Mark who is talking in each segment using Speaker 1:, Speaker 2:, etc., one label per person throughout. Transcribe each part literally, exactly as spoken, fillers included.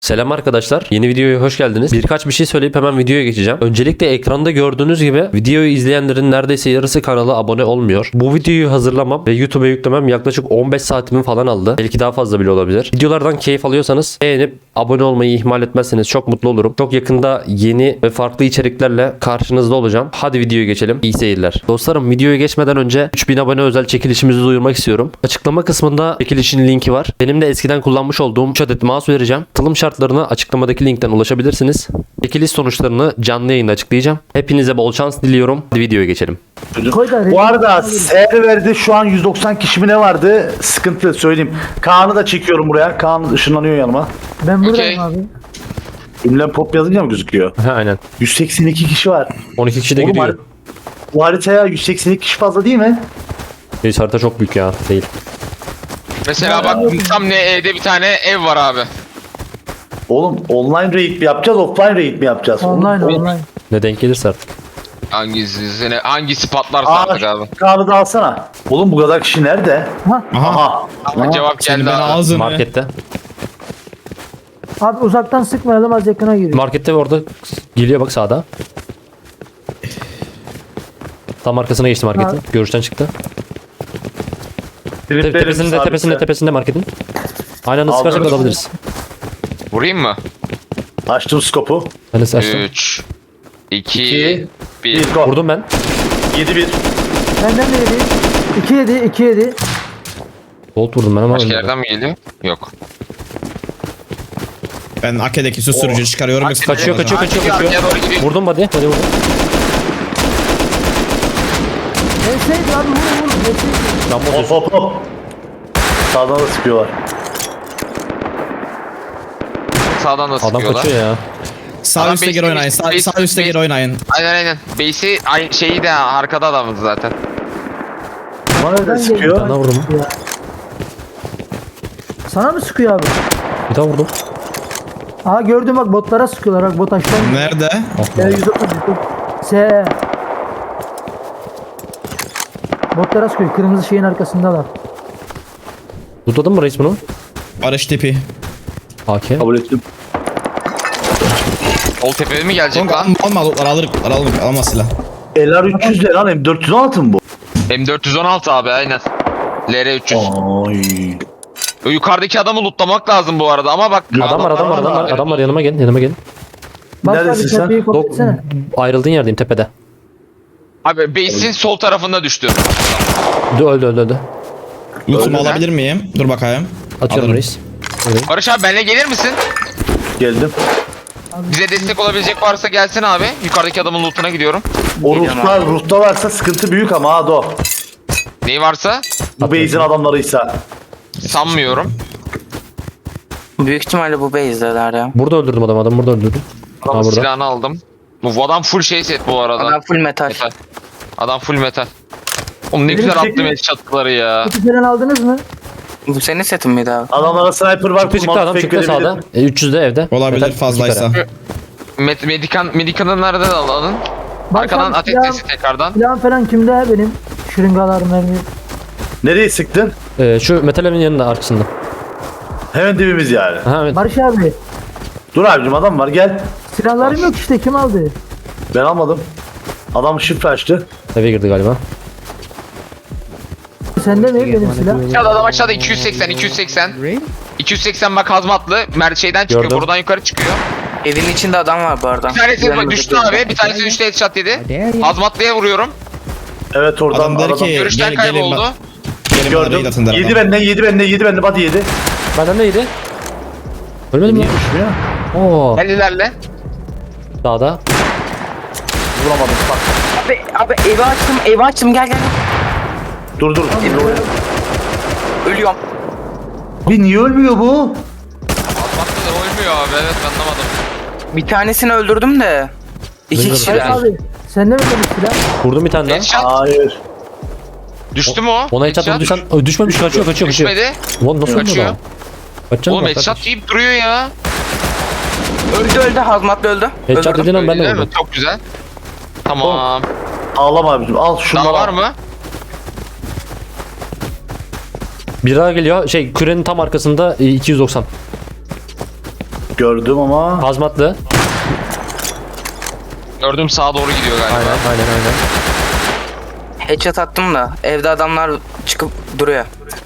Speaker 1: Selam arkadaşlar. Yeni videoya hoş geldiniz. Birkaç bir şey söyleyip hemen videoya geçeceğim. Öncelikle ekranda gördüğünüz gibi videoyu izleyenlerin neredeyse yarısı kanala abone olmuyor. Bu videoyu hazırlamam ve YouTube'a yüklemem yaklaşık on beş saatimi falan aldı. Belki daha fazla bile olabilir. Videolardan keyif alıyorsanız beğenip abone olmayı ihmal etmezseniz çok mutlu olurum. Çok yakında yeni ve farklı içeriklerle karşınızda olacağım. Hadi videoya geçelim. İyi seyirler. Dostlarım, videoya geçmeden önce üç bin abone özel çekilişimizi duyurmak istiyorum. Açıklama kısmında çekilişin linki var. Benim de eskiden kullanmış olduğum üç adet mouse vereceğim. Katılım şartlarına açıklamadaki linkten ulaşabilirsiniz. Çekiliş sonuçlarını canlı yayında açıklayacağım. Hepinize bol şans diliyorum. Hadi videoya geçelim.
Speaker 2: Bu arada serverde şu an yüz doksan kişi mi ne vardı? Sıkıntı söyleyeyim. Kaan'ı da çekiyorum buraya. Kaan ışınlanıyor yanıma.
Speaker 3: Ben buradayım
Speaker 4: Okey.
Speaker 3: abi.
Speaker 2: Ünlem pop yazınca mı gözüküyor?
Speaker 1: Ha, aynen.
Speaker 2: yüz seksen iki kişi var.
Speaker 1: on iki kişi de
Speaker 2: Oğlum,
Speaker 1: gidiyor.
Speaker 2: har- bu haritaya yüz seksen iki kişi fazla değil mi?
Speaker 1: Neyse, harita çok büyük ya. Değil.
Speaker 4: Mesela bak tam ne evde bir tane ev var abi.
Speaker 2: Oğlum online raid mi yapacağız, offline raid mi yapacağız?
Speaker 3: Online
Speaker 2: Oğlum,
Speaker 3: online.
Speaker 1: Ne denk gelirse artık.
Speaker 4: Hangisi hangisi patlarsa
Speaker 2: Aa,
Speaker 4: artık abi.
Speaker 2: Kaan'ı da alsana. Oğlum bu kadar kişi nerede?
Speaker 3: Ha,
Speaker 2: Aha.
Speaker 4: Ama cevap
Speaker 5: Senin
Speaker 4: geldi
Speaker 5: ben
Speaker 4: abi.
Speaker 5: ağzını.
Speaker 1: Markette.
Speaker 3: abi uzaktan sıkmayalım, az yakına giriyor.
Speaker 1: Markette orada geliyor bak, sağda. Tam arkasına geçti marketin.
Speaker 3: Ha.
Speaker 1: Görüşten çıktı. Te-
Speaker 2: Triplerim
Speaker 1: tepesinde
Speaker 2: sabitse.
Speaker 1: tepesinde tepesinde marketin. Aynen nasıl
Speaker 2: Aldım.
Speaker 1: sıkarsak alabiliriz.
Speaker 4: Vurayım mı?
Speaker 2: Açtım skopu.
Speaker 1: Ben de açtım.
Speaker 4: üç
Speaker 2: İki,
Speaker 4: iki bir.
Speaker 2: Bir go.
Speaker 1: Vurdum ben.
Speaker 2: yedi bir.
Speaker 3: Benden de yedi. iki yedi, iki yedi.
Speaker 1: Bolt vurdum ben ama
Speaker 4: Başka
Speaker 1: ölmedi.
Speaker 4: yerden mi geliyor? Yok.
Speaker 5: Ben Ake'deki susturucu çıkarıyorum. yoksa
Speaker 1: Kaçıyor, kaçıyor, kaçıyor,
Speaker 4: Arkaya
Speaker 1: kaçıyor.
Speaker 4: doğru gidiyor.
Speaker 1: Vurdum hadi. Hadi vurdum.
Speaker 3: Neyse abi, vur vur. Neyse.
Speaker 1: Lan
Speaker 2: Hop hop hop. Sağdan da sıkıyorlar.
Speaker 4: Sağdan da
Speaker 1: adam
Speaker 4: sıkıyorlar.
Speaker 1: kaçıyor ya.
Speaker 5: Sağ
Speaker 4: Adam
Speaker 5: üstte
Speaker 4: base-
Speaker 5: geri oynayın. Sağ,
Speaker 4: base-
Speaker 5: sağ üstte
Speaker 4: base-
Speaker 5: geri oynayın.
Speaker 4: Aynen aynen. Base'i ay- şeyi de arkada adamız zaten.
Speaker 2: Bana nereden
Speaker 3: Ben
Speaker 2: sıkıyor?
Speaker 1: Bana vurdum.
Speaker 3: Ya. Sana mı sıkıyor abi?
Speaker 1: Bir daha vurdum.
Speaker 3: Aha gördüm bak, botlara sıkıyorlar bak, bot aşağıdan.
Speaker 5: Nerede?
Speaker 3: E, yüz otuz S. Botlara sıkıyor, kırmızı şeyin arkasındalar.
Speaker 1: Tutladın mı reis bunu?
Speaker 5: Barış tipi.
Speaker 1: A K.
Speaker 2: Kabul ettim.
Speaker 4: Sol tepeye mi gelecek
Speaker 5: Kanka
Speaker 4: lan?
Speaker 5: alma alma alır alır alma silah.
Speaker 2: L R üç yüz ne lan? M dört yüz on altı mı bu?
Speaker 4: M dört yüz on altı abi aynen. L R üç yüz.
Speaker 2: Ay.
Speaker 4: O yukarıdaki adamı lootlamak lazım bu arada ama bak.
Speaker 1: Adam var, adam var, adam var, adam var, yanıma gel, yanıma gel.
Speaker 3: Bak abi,
Speaker 2: Neredesin sen?
Speaker 3: tepeyi
Speaker 1: Dok-
Speaker 3: kopatsana.
Speaker 1: ayrıldığın yerdeyim, tepede.
Speaker 4: Abi base'in sol tarafında düştü.
Speaker 1: Öldü, öldü, öldü, öldü.
Speaker 5: Lootumu
Speaker 4: Öyle mi?
Speaker 5: alabilir miyim? Dur bakayım.
Speaker 1: Atıyorum
Speaker 5: Alırım.
Speaker 1: reis. Buyurun.
Speaker 4: Barış abi benimle gelir misin?
Speaker 2: Geldim.
Speaker 4: Bize destek olabilecek varsa gelsin abi. Yukarıdaki adamın lootuna gidiyorum.
Speaker 2: O ruhta, ruhta varsa sıkıntı büyük ama ha do.
Speaker 4: Neyi varsa
Speaker 2: Bu base'in adamlarıysa.
Speaker 4: sanmıyorum.
Speaker 6: Büyük ihtimalle bu base'deler ya.
Speaker 1: Burada öldürdüm adamı, adamı burada öldürdüm.
Speaker 4: Adamın
Speaker 1: Ha, burada.
Speaker 4: silahını aldım. Bu adam full şey set bu arada.
Speaker 6: Adam full metal.
Speaker 4: Metal. Adam full metal. Oğlum ne
Speaker 2: Benim
Speaker 4: güzel
Speaker 2: çekim-
Speaker 4: attım headshot'ları ya.
Speaker 3: Kutu falan aldınız mı?
Speaker 6: Bu senin setin miydi abi?
Speaker 2: Adamlara sniper var.
Speaker 1: Çıktı çıktı,
Speaker 2: kurmalı
Speaker 1: adam
Speaker 2: tüfek
Speaker 1: çıktı
Speaker 2: verebilirim.
Speaker 1: sağda. E, üç yüzde evde.
Speaker 5: Olabilir
Speaker 1: Metal iki
Speaker 5: fazlaysa.
Speaker 1: kere.
Speaker 4: Med medikan medikanı nereden alın?
Speaker 3: Bak
Speaker 4: Arkadan
Speaker 3: abi,
Speaker 4: ateş
Speaker 3: silah-
Speaker 4: sesi tekrardan.
Speaker 3: Silahım falan kimde benim? Şırıngalar, mermi.
Speaker 2: Nereye sıktın?
Speaker 1: Ee, şu metal evin yanında, arkasında.
Speaker 2: Hemen dibimiz yani.
Speaker 1: Ha evet.
Speaker 3: Barış abi,
Speaker 2: Dur abicim, adam var, gel.
Speaker 3: silahlarım yok işte, kim aldı?
Speaker 2: Ben almadım. Adam şifre açtı.
Speaker 1: Eve girdi galiba.
Speaker 3: Sende mi benim silah?
Speaker 4: Aşağıda adam aşağıda iki yüz seksen iki yüz seksen. iki yüz seksen bak hazmatlı. Mer şeyden çıkıyor.
Speaker 1: Gördüm.
Speaker 4: Buradan yukarı çıkıyor.
Speaker 6: Evin içinde adam var bu arada.
Speaker 4: Bir tanesi
Speaker 6: Yanımda
Speaker 4: düştü
Speaker 6: bir-
Speaker 4: abi. Bir tanesi düştü headshot yedi. Hazmatlıya vuruyorum.
Speaker 2: Evet oradan
Speaker 5: Adam der
Speaker 2: aradan
Speaker 5: ki
Speaker 4: Görüşten
Speaker 5: gel, gelin,
Speaker 4: kayboldu.
Speaker 5: bak- gelin bana raid
Speaker 2: gördüm.
Speaker 5: atın der
Speaker 2: Yedi
Speaker 5: adam.
Speaker 2: benden, yedi benden, yedi benden, hadi yedi.
Speaker 1: Benden neydi? Ölmedim mi?
Speaker 2: Niye düşmüyor?
Speaker 1: Oo.
Speaker 4: Gel ilerle.
Speaker 1: Dağda.
Speaker 2: Vuramadım bak.
Speaker 6: Abi, abi evi açtım, evi açtım, gel gel.
Speaker 2: Dur dur.
Speaker 6: Ölüyorum.
Speaker 2: Bir niye ölmüyor bu?
Speaker 4: Hazmatlı da ölmüyor abi. Evet anlamadım.
Speaker 6: Bir tanesini öldürdüm de. İki
Speaker 1: Bilmiyorum.
Speaker 3: Barış
Speaker 6: kişiler.
Speaker 3: abi, sende mi benim silah?
Speaker 1: Vurdum bir tane daha.
Speaker 4: Headshot.
Speaker 2: Hayır.
Speaker 4: Düştü mü o?
Speaker 1: Ona headshot
Speaker 4: Headshot.
Speaker 1: vurduysan Ö, düşmemiş, kaçıyor, kaçıyor, kaçıyor.
Speaker 4: Düşmedi.
Speaker 1: Ulan nasıl
Speaker 4: Kaçıyor.
Speaker 1: oldu lan? Kaçacak
Speaker 4: Oğlum
Speaker 1: mı?
Speaker 4: headshot deyip duruyor ya.
Speaker 6: Öldü öldü, hazmatlı öldü.
Speaker 1: Headshot
Speaker 6: Öldürdüm.
Speaker 1: dediğin an ben de
Speaker 4: Öyle mi?
Speaker 1: vurdum.
Speaker 4: Çok güzel. Tamam.
Speaker 2: Ağlama abicim, al şunu.
Speaker 4: Daha var mı?
Speaker 1: Bir daha geliyor. Şey, kürenin tam arkasında e, iki yüz doksan.
Speaker 2: Gördüm ama.
Speaker 1: Hazmatlı.
Speaker 4: Gördüm sağa doğru gidiyor galiba.
Speaker 1: Aynen aynen aynen.
Speaker 6: Headshot attım da evde adamlar çıkıp duruyor.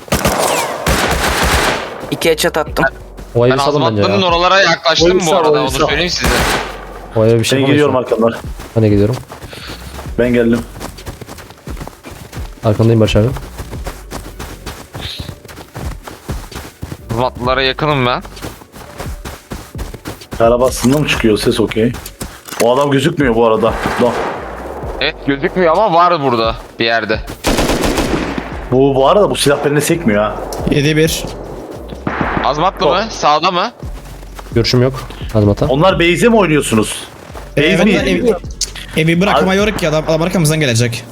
Speaker 6: İki headshot attım.
Speaker 1: O evi
Speaker 4: Ben
Speaker 1: salın bence
Speaker 4: Azmatlı'nın
Speaker 1: ya.
Speaker 4: oralara yaklaştım
Speaker 2: Oyun
Speaker 4: bu
Speaker 2: sağ,
Speaker 4: arada
Speaker 2: oyun
Speaker 4: onu
Speaker 2: sağ.
Speaker 4: söyleyeyim size.
Speaker 1: O eve bir şey
Speaker 2: Ben gidiyorum
Speaker 1: yapamayız.
Speaker 2: arkamdan.
Speaker 1: Ben de gidiyorum.
Speaker 2: Ben geldim.
Speaker 1: Arkandayım Barış abi.
Speaker 4: Azmatlılara yakınım ben.
Speaker 2: Araba aslında mı çıkıyor ses okey. O adam gözükmüyor bu arada. No.
Speaker 4: Evet gözükmüyor ama var burada bir yerde.
Speaker 2: Bu bu arada bu silah benimle sekmiyor ha.
Speaker 5: yedi bir.
Speaker 4: Azmatlı mı? Sağda mı?
Speaker 1: Görüşüm yok. Hazmata.
Speaker 2: Onlar base'e mi oynuyorsunuz? Base
Speaker 5: Evet,
Speaker 2: mi?
Speaker 5: evi, evi bırakamıyoruz ki adam, adam arkamızdan gelecek.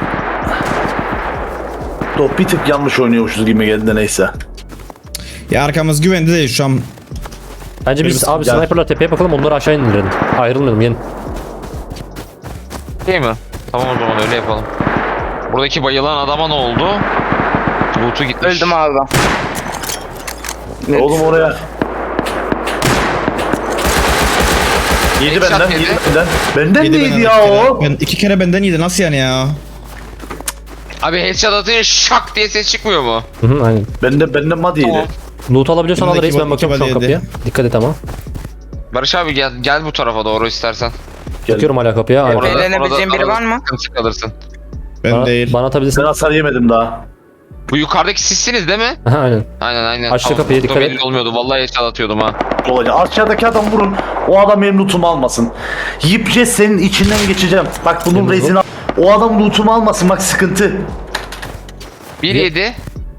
Speaker 2: Top bir tık yanlış oynuyormuşuz gibi geldi de neyse.
Speaker 5: Ya arkamız güvende değil şu an.
Speaker 1: Bence biz abi
Speaker 2: Gel.
Speaker 1: sniper'la tepeye bakalım, onları aşağı indirelim. Ayrılmayalım, gelin.
Speaker 4: Değil mi? Tamam o zaman öyle yapalım. Buradaki bayılan adama ne oldu? Loot'u gitmiş.
Speaker 6: Öldüm abi ben.
Speaker 2: Oğlum oraya. Yedi
Speaker 4: Headshot
Speaker 2: benden,
Speaker 4: yedi.
Speaker 2: yedi benden. Benden
Speaker 5: Yedi
Speaker 2: neydi
Speaker 5: benden
Speaker 2: ya
Speaker 5: iki kere.
Speaker 2: o?
Speaker 5: Ben, iki kere benden yedi nasıl yani ya?
Speaker 4: Abi headshot atınca şak diye ses çıkmıyor mu?
Speaker 1: Hı hı, aynen.
Speaker 2: Benden benden mad yedi.
Speaker 4: Tamam.
Speaker 1: Loot alabiliyorsan al
Speaker 5: Önündeki
Speaker 1: reis, ben
Speaker 5: body-
Speaker 1: bakıyorum şu an
Speaker 5: iki body
Speaker 1: kapıya. Dikkat et ama.
Speaker 4: Barış abi gel gel bu tarafa doğru istersen.
Speaker 2: Gel.
Speaker 1: Bakıyorum hala kapıya. Ay,
Speaker 6: Orada-
Speaker 4: Orada-
Speaker 6: Eğlenebileceğin
Speaker 4: orada-
Speaker 6: biri var
Speaker 4: orada
Speaker 6: mı?
Speaker 4: Sıkıntı kalırsın.
Speaker 5: Ben
Speaker 1: bana,
Speaker 5: değil.
Speaker 1: bana atabilirsin.
Speaker 2: Ben hasar yemedim daha.
Speaker 4: Bu yukarıdaki sizsiniz değil mi?
Speaker 1: Aha, aynen.
Speaker 4: Aynen aynen.
Speaker 1: Açtı
Speaker 4: Tamam,
Speaker 1: kapıyı,
Speaker 4: bu da
Speaker 1: dikkat et.
Speaker 4: belli olmuyordu. Vallahi headshot atıyordum ha.
Speaker 2: Olacak. Aşağıdaki adam vurun. O adam benim lootumu almasın. Yiyip senin içinden geçeceğim. Bak bunun
Speaker 1: Benim
Speaker 2: rezini al. O adam lootumu almasın bak sıkıntı.
Speaker 4: bir yedi.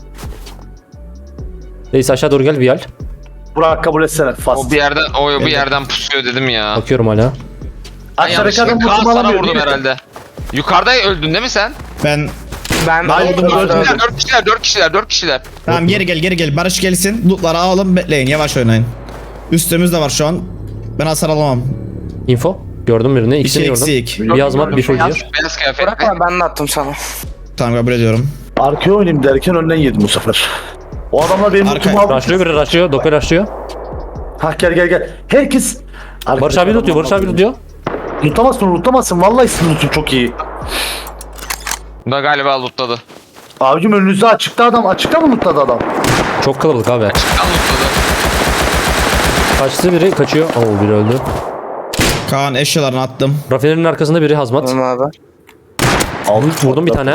Speaker 1: Reis aşağı doğru gel, Vial.
Speaker 2: Burak kabul etsene. Fast.
Speaker 4: O bir yerden o bir yerden pusuyor dedim ya.
Speaker 1: Bakıyorum hala.
Speaker 4: Ben
Speaker 2: Aşağıdaki adam
Speaker 4: yanlışlıkla Kaan
Speaker 2: lootumu
Speaker 4: sana
Speaker 2: alamıyor
Speaker 4: vurdum
Speaker 2: değil mi?
Speaker 4: herhalde. Yukarıda öldün değil mi sen?
Speaker 5: Ben
Speaker 6: Ben
Speaker 2: Hayır,
Speaker 6: öldüm
Speaker 2: öldüm.
Speaker 6: abi.
Speaker 2: Öldüm.
Speaker 4: Dört kişiler, dört kişiler, dört kişiler.
Speaker 5: tamam geri gel geri gel. Barış gelsin. Lootları alalım bekleyin yavaş oynayın. Üstümüzde var şu an. Ben hasar alamam.
Speaker 1: Info. Gördüm birini. İkisini
Speaker 5: İki
Speaker 1: gördüm.
Speaker 5: eksik.
Speaker 1: Bir hazmat, bir full
Speaker 4: Beyaz,
Speaker 1: gear.
Speaker 4: beyaz kıyafetli.
Speaker 6: Bırak abi ben de attım sana.
Speaker 5: Tamam kabul ediyorum.
Speaker 2: Arkaya oynayayım derken önden yedim bu sefer. O adamlar benim
Speaker 5: Arka-
Speaker 2: lootumu aldı.
Speaker 1: Rushlıyor biri, rushlıyor. Doku rushlıyor.
Speaker 2: Ha gel gel gel. Herkes.
Speaker 1: Barış abi tutuyor, Barış abi tutuyor.
Speaker 2: Lootamazsın lootamazsın. Vallahi sizin lootum çok iyi.
Speaker 4: Bu da galiba lootladı.
Speaker 2: Abicim önünüzde açıkta adam. Açıkta mı lootladı adam?
Speaker 1: Çok kalabalık abi.
Speaker 4: Kan lootladı.
Speaker 1: Kaçtı biri, kaçıyor. Oo, biri öldü.
Speaker 5: Kaan eşyalarını attım.
Speaker 1: Rafinerinin arkasında biri hazmat.
Speaker 6: Tamam abi.
Speaker 2: Aldım.
Speaker 1: Vurdum bir tane.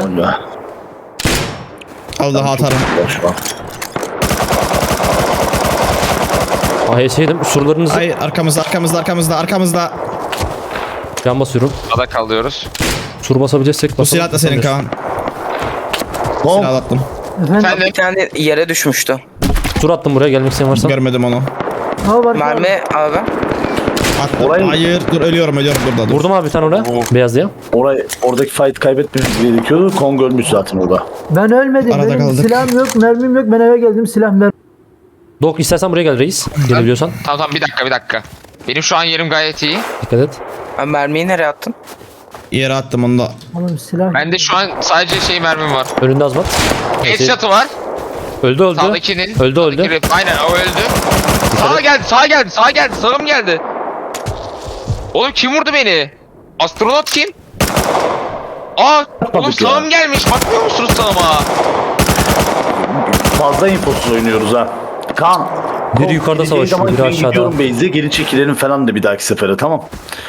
Speaker 5: Al daha atarım.
Speaker 2: Şu an.
Speaker 1: A H S yedim. Surlarınızı
Speaker 5: Ay arkamızda arkamızda arkamızda arkamızda.
Speaker 1: can basıyorum.
Speaker 4: Ada kalıyoruz.
Speaker 1: Sur basabileceksek
Speaker 5: Bu
Speaker 1: basalım.
Speaker 5: silah da senin Kaan.
Speaker 2: Tamam.
Speaker 5: Silah attım.
Speaker 3: Efendim?
Speaker 4: Sen de
Speaker 6: Bir tane yere düşmüştü.
Speaker 1: Sur attım buraya, gelmek isteyen varsa.
Speaker 5: Görmedim onu.
Speaker 3: Ha var.
Speaker 6: Mermi abi.
Speaker 5: Attım.
Speaker 2: Orayı-
Speaker 5: Hayır dur ölüyorum ölüyorum burada dur.
Speaker 1: Vurdum abi bir tane oraya. Beyaz diye.
Speaker 2: Orayı, oradaki fight kaybetmemiz gerekiyordu. Kong ölmüş zaten orada.
Speaker 3: Ben ölmedim.
Speaker 5: Arada
Speaker 3: Benim
Speaker 5: kaldık.
Speaker 3: silahım yok, mermim yok. Ben eve geldim, silah mermi.
Speaker 1: Dok istersen buraya gel reis. Gelebiliyorsan.
Speaker 4: Tamam tamam bir dakika bir dakika. Benim şu an yerim gayet iyi.
Speaker 1: Dikkat et.
Speaker 6: Ben mermiyi nereye attın?
Speaker 5: Yere attım onu da.
Speaker 3: Oğlum silah.
Speaker 4: Bende şu an sadece şey mermim var.
Speaker 1: Önünde hazmat.
Speaker 4: Headshot'ı var.
Speaker 1: Öldü öldü.
Speaker 4: Sağdakinin.
Speaker 1: Öldü öldü.
Speaker 4: Sağdaki rep- Aynen o öldü. Sağa geldi, sağa geldi, sağa geldi, sağım geldi. Oğlum kim vurdu beni? Astronot kim? Aa, oğlum
Speaker 2: ya.
Speaker 4: sağım gelmiş. Bakmıyor musunuz sağıma?
Speaker 2: Fazla infosuz oynuyoruz ha. Kaan.
Speaker 1: Biri
Speaker 2: Kong
Speaker 1: yukarıda
Speaker 2: gideceği
Speaker 1: savaşıyor,
Speaker 2: zaman
Speaker 1: biri
Speaker 2: ben
Speaker 1: aşağıda.
Speaker 2: gidiyorum base'e geri çekilelim falan de bir dahaki sefere tamam.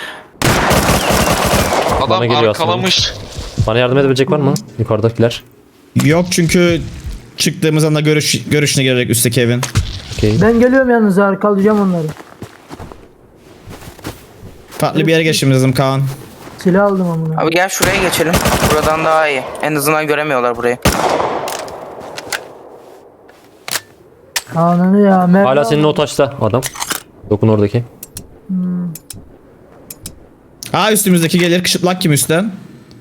Speaker 4: Adam
Speaker 1: geliyor
Speaker 4: arkalamış.
Speaker 1: Bana yardım edebilecek var mı? Yukarıdakiler.
Speaker 5: Yok çünkü çıktığımız anda görüş görüşüne gelerek üstteki evin.
Speaker 1: Okey.
Speaker 3: Ben geliyorum yalnız, arkalayacağım onları.
Speaker 5: Farklı bir yere geçmemiz lazım Kaan.
Speaker 3: Silah aldım amına.
Speaker 6: Abi gel şuraya geçelim. Buradan daha iyi. En azından göremiyorlar burayı.
Speaker 3: Ananı ya. Mermi
Speaker 1: Hala senin
Speaker 3: aldım.
Speaker 1: o taşta adam. Dokun oradaki.
Speaker 5: Aa üstümüzdeki gelir kışıplak kim üstten?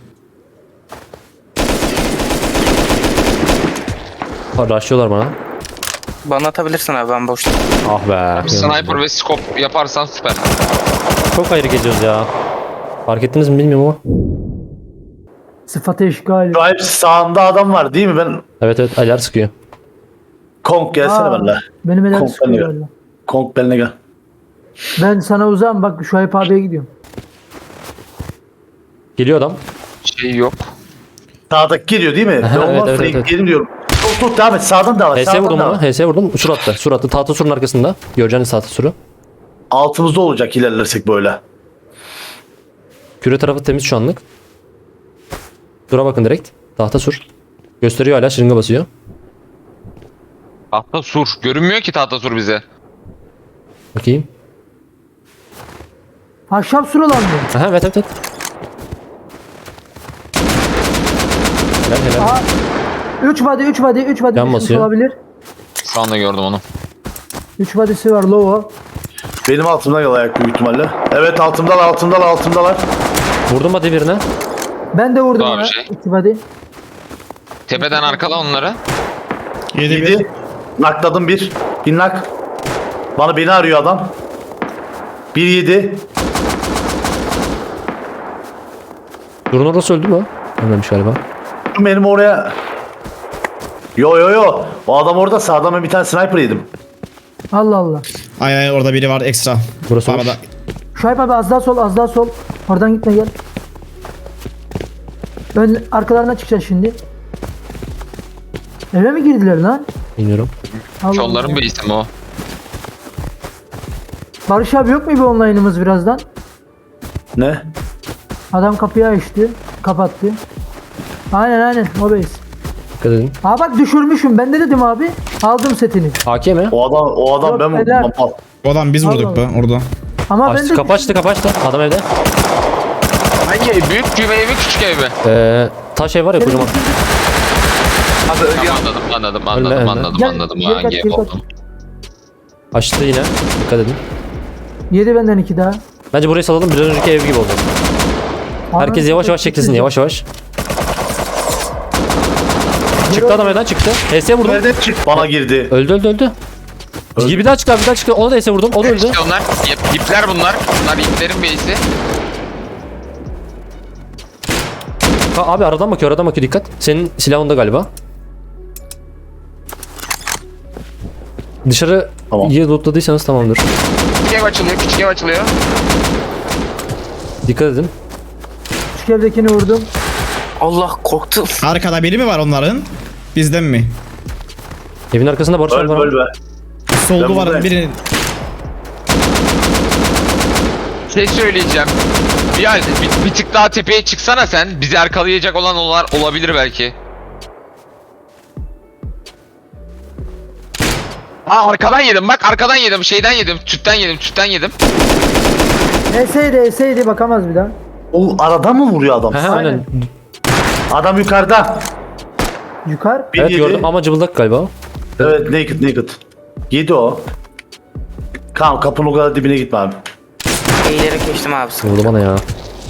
Speaker 1: Ha, rushlıyorlar bana.
Speaker 6: Bana atabilirsin abi, ben boşta.
Speaker 1: Ah be.
Speaker 4: Sniper ve scope yaparsan süper.
Speaker 1: Çok ayrı geziyoruz ya. Fark ettiniz mi bilmiyorum ama.
Speaker 3: Sıfatı işgal.
Speaker 2: Şu hepsi sağında adam var değil mi? Ben
Speaker 1: Evet evet, aylar sıkıyor.
Speaker 2: Kong gelsene
Speaker 3: Aa,
Speaker 2: benimle.
Speaker 3: Benim eden
Speaker 2: Kong
Speaker 3: sıkıyor
Speaker 2: benimle
Speaker 3: öyle.
Speaker 2: gel. Kong benimle gel.
Speaker 3: Ben sana uzağım bak Şuayb abiye gidiyorum.
Speaker 1: Geliyor adam.
Speaker 4: Şey yok.
Speaker 2: Sağdaki geliyor değil mi?
Speaker 1: Aha,
Speaker 2: Olmaz,
Speaker 1: evet, evet,
Speaker 2: Frank,
Speaker 1: evet.
Speaker 2: Gelin diyorum. Tut tut devam et. Sağdan da var.
Speaker 1: H S
Speaker 2: Sağdan
Speaker 1: vurdum
Speaker 2: da
Speaker 1: ona.
Speaker 2: var.
Speaker 1: H S vurdum. Sur attı. Sur attı. Tahta surun arkasında. Göreceğiniz tahta suru.
Speaker 2: Altımızda olacak ilerlersek böyle.
Speaker 1: Küre tarafı temiz şu anlık. Dura bakın direkt. Tahta sur. Gösteriyor hala, şırınga basıyor.
Speaker 4: Tahta sur. Görünmüyor ki tahta sur bize.
Speaker 1: Bakayım.
Speaker 3: Ahşap surulan mı?
Speaker 1: Aha, evet evet evet. Helal helal.
Speaker 3: Aa, üç body üç body üç body
Speaker 1: Yan
Speaker 3: düşmüş
Speaker 1: basıyor.
Speaker 3: olabilir.
Speaker 4: Şu anda gördüm onu.
Speaker 3: üç body'si var low.
Speaker 2: Benim altımdan yol ayak büyük ihtimalle. Evet altımdalar altımdalar altımdalar.
Speaker 1: Vurdum hadi birine.
Speaker 3: Ben de vurdum
Speaker 4: Daha
Speaker 3: ona.
Speaker 4: bir şey.
Speaker 3: iki body.
Speaker 4: Tepeden arkala onları.
Speaker 5: Yedi bir.
Speaker 2: Yedi. Nakladım bir. Bir nak. Bana beni arıyor adam. Bir yedi.
Speaker 1: Durun orası öldü mü? Ölmemiş galiba.
Speaker 2: Benim oraya... Yo yo yo. O adam orada sağdan ben bir tane sniper yedim.
Speaker 3: Allah Allah.
Speaker 5: Ay ay orada biri var ekstra.
Speaker 1: Burası
Speaker 5: Arada.
Speaker 1: boş.
Speaker 3: Şuayb abi az daha sol az daha sol. Oradan gitme gel. Ön arkalarına çıkacağız şimdi. Eve mi girdiler lan?
Speaker 1: Bilmiyorum.
Speaker 3: Allah
Speaker 4: Şu
Speaker 3: Allah.
Speaker 4: onların bir isim o.
Speaker 3: Barış abi yok mu bir online'ımız birazdan?
Speaker 2: Ne?
Speaker 3: Adam kapıyı açtı. Kapattı. Aynen aynen o base.
Speaker 1: Dikkat edin.
Speaker 3: Aa bak düşürmüşüm. Ben de dedim abi. Aldım setini.
Speaker 1: A K mi?
Speaker 2: O adam o adam
Speaker 3: Yok,
Speaker 2: ben vurdum.
Speaker 3: helal.
Speaker 2: lan, al.
Speaker 5: O adam biz vurduk
Speaker 3: Allah
Speaker 5: be orada.
Speaker 3: Ama ben
Speaker 1: Açtı,
Speaker 3: de
Speaker 1: kapı açtı, kapı açtı. Adam evde.
Speaker 4: Hangi ev? Büyük küve evi küçük ev mi?
Speaker 1: Ee, taş ev var ya kocaman.
Speaker 6: Abi ölüyor.
Speaker 4: Anladım anladım
Speaker 1: Ölme,
Speaker 4: anladım
Speaker 1: ölme.
Speaker 4: anladım
Speaker 3: Gel,
Speaker 4: anladım.
Speaker 3: geri kaç,
Speaker 4: Hangi ev
Speaker 3: geri kaç.
Speaker 4: olduğunu.
Speaker 1: Açtı yine. Dikkat edin.
Speaker 3: Yedi benden iki daha.
Speaker 1: Bence burayı salalım. Bir önceki ev gibi olacak. Herkes yavaş yavaş çekilsin, yavaş yavaş. Çıktı adam evden çıktı. H S vurdum.
Speaker 2: Nereden çık? Bana girdi.
Speaker 1: Öldü öldü öldü. Bir daha çıktı, bir daha çıktı. Ona da H S vurdum. O da öldü.
Speaker 4: İşte onlar ip- ipler bunlar. Bunlar iplerin base'i.
Speaker 1: Ha, abi aradan bakıyor, aradan bakıyor, dikkat. Senin silahında galiba. Dışarı
Speaker 2: Tamam.
Speaker 1: iyi lootladıysanız tamamdır.
Speaker 4: Küçük ev açılıyor küçük ev açılıyor.
Speaker 1: Dikkat edin.
Speaker 3: Küçük evdekini vurdum.
Speaker 6: Allah korktum.
Speaker 5: Arkada biri mi var onların? Bizden mi?
Speaker 1: Evin arkasında Barış abi
Speaker 2: Öl
Speaker 1: var.
Speaker 2: öl be.
Speaker 5: Soldu
Speaker 2: Ben
Speaker 5: var
Speaker 2: buradayım.
Speaker 5: birinin.
Speaker 4: Şey söyleyeceğim. Ya bir, bir tık daha tepeye çıksana sen. Bizi arkalayacak olan onlar olabilir belki. Ha arkadan yedim bak arkadan yedim şeyden yedim tütten yedim tütten yedim.
Speaker 3: Eseydi eseydi bakamaz bir daha.
Speaker 2: O aradan mı vuruyor adam?
Speaker 1: He he aynen.
Speaker 2: Adam yukarıda.
Speaker 3: Yukarı.
Speaker 2: Bir
Speaker 1: Evet
Speaker 2: yedi.
Speaker 1: gördüm ama cıbıldak galiba.
Speaker 2: Evet naked naked. Yedi o. Kaan kapının o kadar dibine gitme abi.
Speaker 6: Eğilerek geçtim abi.
Speaker 1: Vurdu bana ya.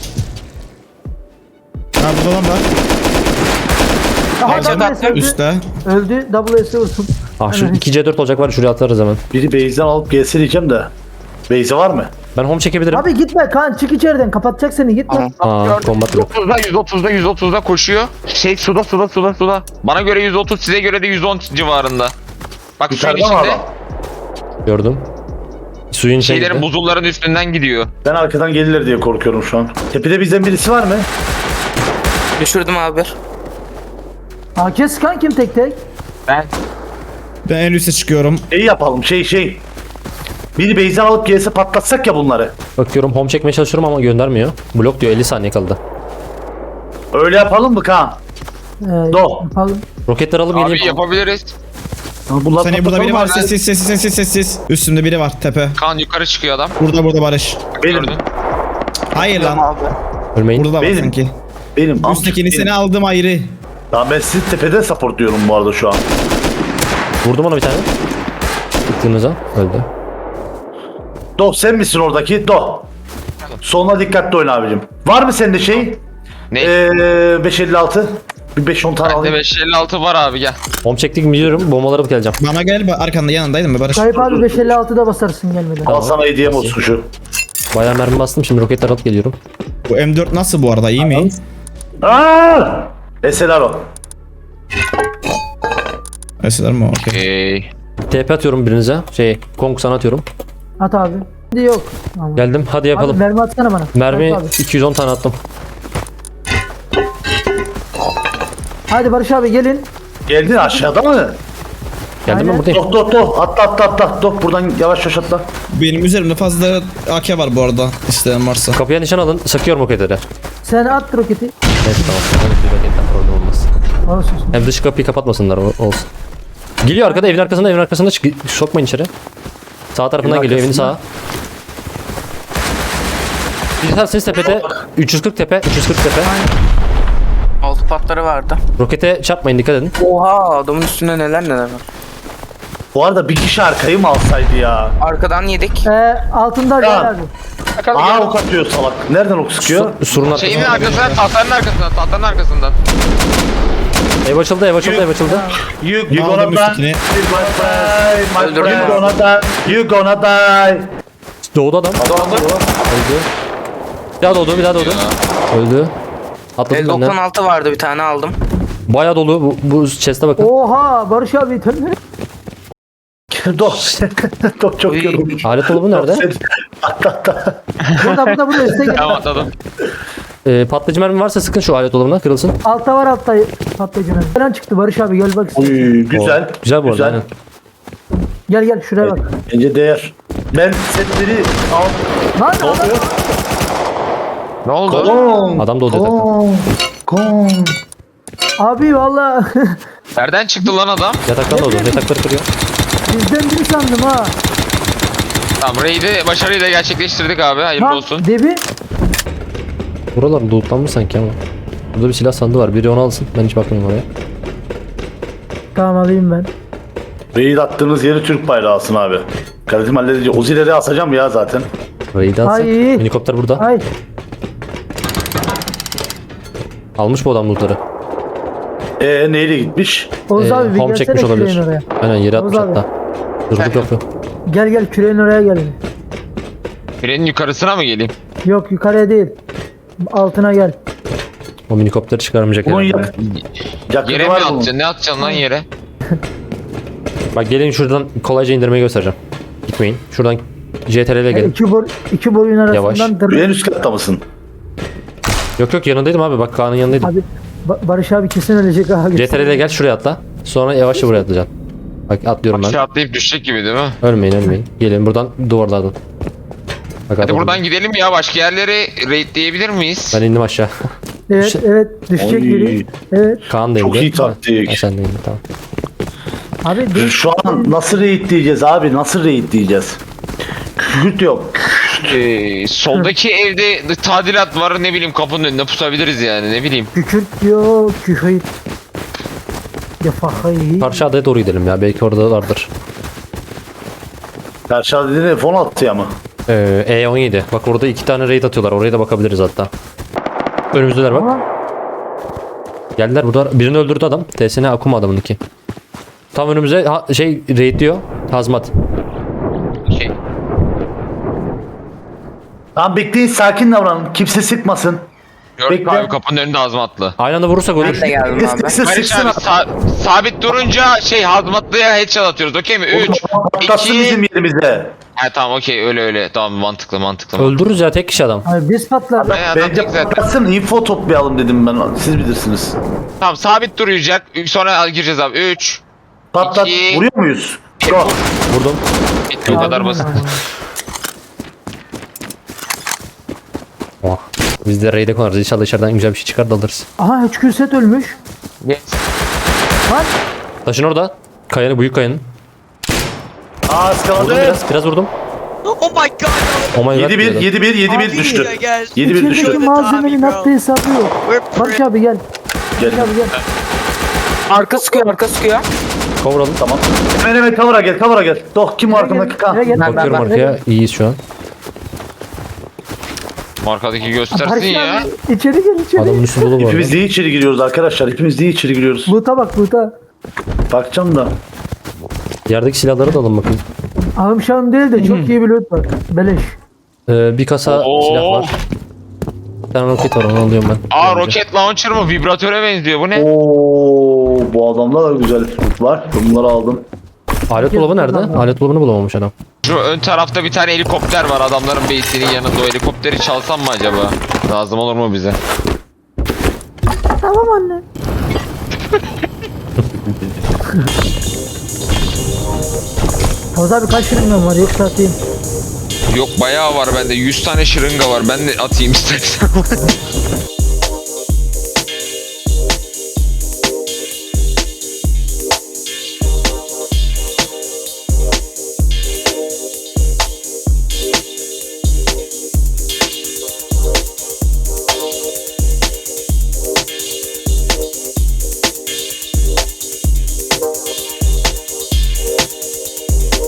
Speaker 5: Ha burada adam var.
Speaker 3: Aha
Speaker 6: Headshot
Speaker 3: double S
Speaker 6: attım.
Speaker 3: öldü.
Speaker 5: Üstte.
Speaker 3: Öldü. Double S vurdum.
Speaker 1: Ah şu
Speaker 3: Evet.
Speaker 1: iki C dört olacak var, şuraya atarız hemen.
Speaker 2: Biri base'den alıp gelse diyeceğim de. Base'e var mı?
Speaker 1: Ben home çekebilirim.
Speaker 3: Abi gitme Kaan çık içeriden kapatacak seni gitme.
Speaker 6: Tamam.
Speaker 1: Aa, combat yok.
Speaker 4: yüz otuzda yüz otuzda yüz otuzda koşuyor. Şey suda suda suda suda. Bana göre yüz otuz size göre de yüz on civarında. Bak suyun
Speaker 2: Yukarıda mı
Speaker 4: içinde
Speaker 2: adam?
Speaker 1: Gördüm. Suyun içine
Speaker 4: şeylerin
Speaker 1: gitti.
Speaker 4: buzulların üstünden gidiyor.
Speaker 2: Ben arkadan gelirler diye korkuyorum şu an. Tepede bizden birisi var mı?
Speaker 6: Düşürdüm abi.
Speaker 3: A K sıkan kim tek tek?
Speaker 4: Ben
Speaker 5: Ben en üste çıkıyorum.
Speaker 2: Şey yapalım şey şey. Biri base'den alıp gelse patlatsak ya bunları.
Speaker 1: Bakıyorum home çekmeye çalışıyorum ama göndermiyor. Blok diyor, elli saniye kaldı.
Speaker 2: Öyle yapalım mı Kaan?
Speaker 3: Ee,
Speaker 2: Do.
Speaker 3: Yapalım.
Speaker 1: Roketler alıp
Speaker 4: abi
Speaker 1: geleyim.
Speaker 4: yapabiliriz.
Speaker 2: Bunlar
Speaker 5: Seni burada biri var.
Speaker 2: patlatalım
Speaker 5: Sessiz sessiz sessiz sessiz. Üstümde biri var tepe.
Speaker 4: Kan yukarı çıkıyor adam.
Speaker 5: Burada burada Barış.
Speaker 2: Benim.
Speaker 4: Gördün.
Speaker 5: Hayır lan.
Speaker 6: Abi.
Speaker 1: Ölmeyin.
Speaker 5: Burada da var
Speaker 2: Benim.
Speaker 5: sanki.
Speaker 2: Benim. al,
Speaker 5: Üsttekini
Speaker 2: benim.
Speaker 5: seni aldım ayrı.
Speaker 2: Tamam ben sizi tepede support diyorum bu arada şu an.
Speaker 1: Vurdum ona bir tane. Çıktığınıza öldü.
Speaker 2: Do sen misin oradaki? Do. Sonuna dikkatli oyna abicim. Var mı sende şey?
Speaker 4: Ne?
Speaker 2: Ee, beş elli altı. Bir beş on tane
Speaker 4: Bende
Speaker 2: alayım.
Speaker 4: beş elli altı var abi gel.
Speaker 1: Home çektik mi biliyorum. Bombaları alıp geleceğim.
Speaker 5: Bana gel ba- arkanda yanındaydın mı Barış?
Speaker 3: Kayıp abi beş elli altıda basarsın gelmeden.
Speaker 2: Al sana hediyem olsun şu.
Speaker 1: Bayağı mermi bastım, şimdi roketler alıp geliyorum.
Speaker 5: Bu M dört nasıl bu arada iyi mi?
Speaker 2: Aaa! Eseler o.
Speaker 5: Mesela mi? Okey.
Speaker 4: Okey.
Speaker 1: T P atıyorum birinize. Şey, Kong sana atıyorum.
Speaker 3: At abi. Yok. Tamam.
Speaker 1: Geldim hadi
Speaker 3: Abi
Speaker 1: yapalım.
Speaker 3: mermi atsana bana.
Speaker 1: Mermi
Speaker 3: Abi.
Speaker 1: iki yüz on tane attım.
Speaker 3: Hadi Barış abi gelin.
Speaker 2: Geldin aşağıda mı?
Speaker 1: Geldim ben
Speaker 3: Aynen.
Speaker 1: buradayım.
Speaker 2: Dok dok dok atla atla atla. Dok buradan yavaş yavaş atla.
Speaker 5: Benim üzerimde fazla A K var bu arada. İsteyen varsa.
Speaker 1: Kapıya nişan alın. Sıkıyorum roketleri.
Speaker 3: Sen at roketi.
Speaker 1: Neyse tamam. Hadi bir roketten problem olmaz.
Speaker 3: Olsun.
Speaker 1: Hem dış kapıyı kapatmasınlar o- olsun. Geliyor arkada evin arkasında evin arkasında çık sokmayın içeri. Sağ tarafından
Speaker 2: Evin
Speaker 1: geliyor evin
Speaker 2: arkasında.
Speaker 1: sağa. Bir tanesiniz tepede üç yüz kırk tepe üç yüz kırk tepe.
Speaker 6: Altı patları vardı.
Speaker 1: Rokete çarpmayın dikkat edin.
Speaker 6: Oha adamın üstünde neler neler var.
Speaker 2: Bu arada bir kişi arkayı mı alsaydı ya?
Speaker 6: Arkadan yedik.
Speaker 3: Ee, altında gel abi.
Speaker 4: Bakalım
Speaker 2: Aa
Speaker 4: gel.
Speaker 2: ok atıyor salak. Nereden ok sıkıyor?
Speaker 1: Su- surun
Speaker 4: Şeyin
Speaker 1: arkasında.
Speaker 4: arkasından, tahtanın arkasından, tahtanın arkasından.
Speaker 1: Ev açıldı ev açıldı ev açıldı.
Speaker 2: You, you
Speaker 5: Ne
Speaker 2: gonna
Speaker 5: aldım
Speaker 2: die.
Speaker 5: üstüne?
Speaker 2: My friend, my
Speaker 6: Öldürdüm.
Speaker 2: friend. You gonna die. You gonna die.
Speaker 1: Doğdu adam. Öldü. Bir daha doğdu bir daha doğdu. Öldü. Atladım
Speaker 6: El
Speaker 1: benden.
Speaker 6: doksan altı vardı bir tane aldım.
Speaker 1: Bayağı dolu bu, bu chest'e bakın.
Speaker 3: Oha Barış abi tabii.
Speaker 2: Dok. Dok çok
Speaker 6: Uy.
Speaker 2: yorulmuş.
Speaker 1: Alet dolabı nerede?
Speaker 2: Atla atla.
Speaker 3: Burada burada burada üstte gel.
Speaker 4: Tamam atladım.
Speaker 1: Ee, patlayıcı mermi varsa sıkın şu alet dolabına kırılsın.
Speaker 3: Altta var altta patlayıcı mermi. Falan çıktı Barış abi gel bak.
Speaker 2: Uy, güzel.
Speaker 1: Oo, güzel bu arada aynen.
Speaker 3: Gel gel şuraya bak.
Speaker 2: Bence değer. Ben setleri al.
Speaker 3: Lan
Speaker 2: Ne oluyor?
Speaker 4: Ne oldu?
Speaker 2: Gong.
Speaker 1: Adam da olacak zaten.
Speaker 2: Gong. Gong.
Speaker 3: abi valla
Speaker 4: Nereden çıktı lan adam?
Speaker 1: Yataktan da oldu. Yatakları kırıyor.
Speaker 3: bizden biri sandım ha.
Speaker 4: Tamam raid'i başarıyla gerçekleştirdik abi. Hayırlı
Speaker 3: Lan
Speaker 4: olsun.
Speaker 3: debi.
Speaker 1: Buralar lootlanmış sanki ama. Burada bir silah sandığı var. Biri onu alsın. Ben hiç bakmıyorum oraya.
Speaker 3: Tamam alayım ben.
Speaker 2: Raid attığınız yeri Türk bayrağı alsın abi. Karatim halledici. Ozileri asacağım ya zaten.
Speaker 1: Raid'i alsın.
Speaker 3: Ay.
Speaker 1: Helikopter burada.
Speaker 3: Ay
Speaker 1: Almış bu adam lootları.
Speaker 2: Eee neyle gitmiş?
Speaker 3: Oğuz
Speaker 1: Ee,
Speaker 3: abi bir
Speaker 1: home
Speaker 3: gelsene
Speaker 1: çekmiş olabilir.
Speaker 3: küreğin oraya.
Speaker 1: Aynen yere atmış
Speaker 3: Oğuz abi.
Speaker 1: hatta. Durduk kapı.
Speaker 3: Gel gel küreğin oraya gel.
Speaker 4: Frenin yukarısına mı geleyim?
Speaker 3: Yok yukarıya değil. Altına gel.
Speaker 1: O minikopteri çıkarmayacak
Speaker 2: Bunun
Speaker 1: herhalde.
Speaker 2: yak yakını
Speaker 4: Yere mi
Speaker 2: var bunun.
Speaker 4: atacaksın? Ne atacaksın lan yere?
Speaker 1: Bak gelin şuradan kolayca indirmeyi göstereceğim. Gitmeyin. Şuradan C T R L'ye
Speaker 3: Yani
Speaker 1: gelin.
Speaker 3: iki, bor, iki boyun
Speaker 1: Yavaş.
Speaker 3: arasından dır.
Speaker 2: En üst katta mısın?
Speaker 1: Yok yok yanındaydım abi. Bak Kaan'ın yanındaydım.
Speaker 3: Abi Ba- Barış abi kesin ölecek ha.
Speaker 1: C T R L'ye gel şuraya atla. Sonra yavaşça buraya atlayacaksın. Bak atlıyorum ben.
Speaker 4: Aşağı atlayıp düşecek gibi değil mi?
Speaker 1: Ölmeyin ölmeyin. Gelin buradan duvarlardan. Bak
Speaker 4: Hadi
Speaker 1: atladım.
Speaker 4: buradan gidelim ya. Başka yerleri raidleyebilir miyiz?
Speaker 1: Ben indim aşağı.
Speaker 3: Evet
Speaker 1: Şey-
Speaker 3: evet düşecek
Speaker 2: Oy.
Speaker 3: biri. Evet.
Speaker 1: Kaan da indi.
Speaker 2: Çok iyi taktik.
Speaker 1: Ha, sen de indin tamam.
Speaker 3: Abi düş.
Speaker 2: Şu an nasıl raid diyeceğiz abi? Nasıl raid diyeceğiz? Kükürt yok.
Speaker 4: Ee, soldaki evde tadilat var, ne bileyim kapının önünde pusabiliriz yani, ne bileyim.
Speaker 3: Kükürt diyor. Kühüt. Ya fahayı.
Speaker 1: Karşı adaya doğru gidelim ya. Belki orada vardır.
Speaker 2: Karşı dediğin F on altı ya mı?
Speaker 1: Ee, E on yedi. Bak orada iki tane raid atıyorlar. Oraya da bakabiliriz hatta. Önümüzdeler bak.
Speaker 3: Ama
Speaker 1: Geldiler burada. Birini öldürdü adam. T S N Akuma adamınki. Tam önümüze ha, şey raid diyor. Hazmat.
Speaker 4: Şey,
Speaker 2: Tamam bekleyin, sakin davranın. Kimse sıkmasın.
Speaker 4: gördük
Speaker 2: Bekle.
Speaker 4: abi kapının önünde hazmatlı.
Speaker 1: Aynı anda vurursak
Speaker 6: Ben
Speaker 1: ölür.
Speaker 6: de geldim abi.
Speaker 2: Sıksın
Speaker 4: Barış
Speaker 2: sıksın.
Speaker 4: abi sa- sabit durunca şey hazmatlıya headshot atıyoruz, okey mi? üç,
Speaker 2: Patlatsın bizim
Speaker 4: iki...
Speaker 2: yerimize.
Speaker 4: He tamam okey, öyle öyle, tamam mantıklı mantıklı.
Speaker 1: Öldürürüz ya tek kişi adam.
Speaker 3: abi biz patlar.
Speaker 4: He, adam
Speaker 2: Bence
Speaker 4: tek zaten.
Speaker 2: patlatsın, info toplayalım dedim ben. Siz bilirsiniz.
Speaker 4: Tamam sabit duracak, sonra gireceğiz abi. üç,
Speaker 2: Patlat.
Speaker 4: İki.
Speaker 2: Vuruyor muyuz? Go.
Speaker 1: Vurdum.
Speaker 4: bitti, o kadar basit.
Speaker 1: Oh. Biz de raid'e konarız. İnşallah içeriden güzel bir şey çıkar da alırız.
Speaker 3: Aha H Q set ölmüş. Lan
Speaker 1: Taşın orada. Kayanın büyük kayanın.
Speaker 2: Aa
Speaker 1: Vurdum
Speaker 2: ıskaladı.
Speaker 1: biraz. Biraz vurdum.
Speaker 7: Oh my god.
Speaker 1: Oh my god.
Speaker 2: yedi bir,
Speaker 1: diyordum.
Speaker 2: yedi bir, yedi bir
Speaker 3: Abi,
Speaker 2: düştü.
Speaker 7: guys.
Speaker 2: yedi bir düştü.
Speaker 3: içerideki malzemenin attığı hesabı yok.
Speaker 7: We're
Speaker 3: Barış abi gel.
Speaker 2: Gel.
Speaker 3: Gel abi gel.
Speaker 6: Arka sıkıyor arka sıkıyor.
Speaker 1: Kavuralım.
Speaker 2: Tamam. Hemen hemen kavura gel, kavura gel. Doh kim o arkamdaki kan?
Speaker 3: Gel, gel.
Speaker 1: Bakıyorum
Speaker 6: ben-
Speaker 1: arkaya. İyiyiz şu an.
Speaker 4: Markadaki göstersin
Speaker 3: Barış
Speaker 4: ya.
Speaker 3: abi içeri gel içeri.
Speaker 1: Adamın üstü dolu bu arada.
Speaker 2: Hepimiz niye içeri giriyoruz arkadaşlar? Hepimiz niye içeri giriyoruz?
Speaker 3: Loot'a bak loot'a.
Speaker 2: Bakacağım da.
Speaker 1: Yerdeki silahları da alın bakın.
Speaker 3: Ahım şahım değil de çok iyi bir loot var. Beleş.
Speaker 1: Ee, bir kasa
Speaker 4: Oo.
Speaker 1: silah var. Bir tane roket var onu alıyorum ben.
Speaker 4: Aa roket launcher mı? Vibratöre benziyor, bu ne?
Speaker 2: Oo, bu adamda da güzel loot var. Bunları aldım.
Speaker 1: Alet dolabı nerede? Alet dolabını bulamamış adam.
Speaker 4: Şu ön tarafta bir tane helikopter var adamların base'inin yanında. O helikopteri çalsam mı acaba? Lazım olur mu bize?
Speaker 3: Tamam anne. Oğuz abi kaç şırıngan var yoksa atayım.
Speaker 4: Yok bayağı var bende. yüz tane şırınga var. Ben de atayım istersen.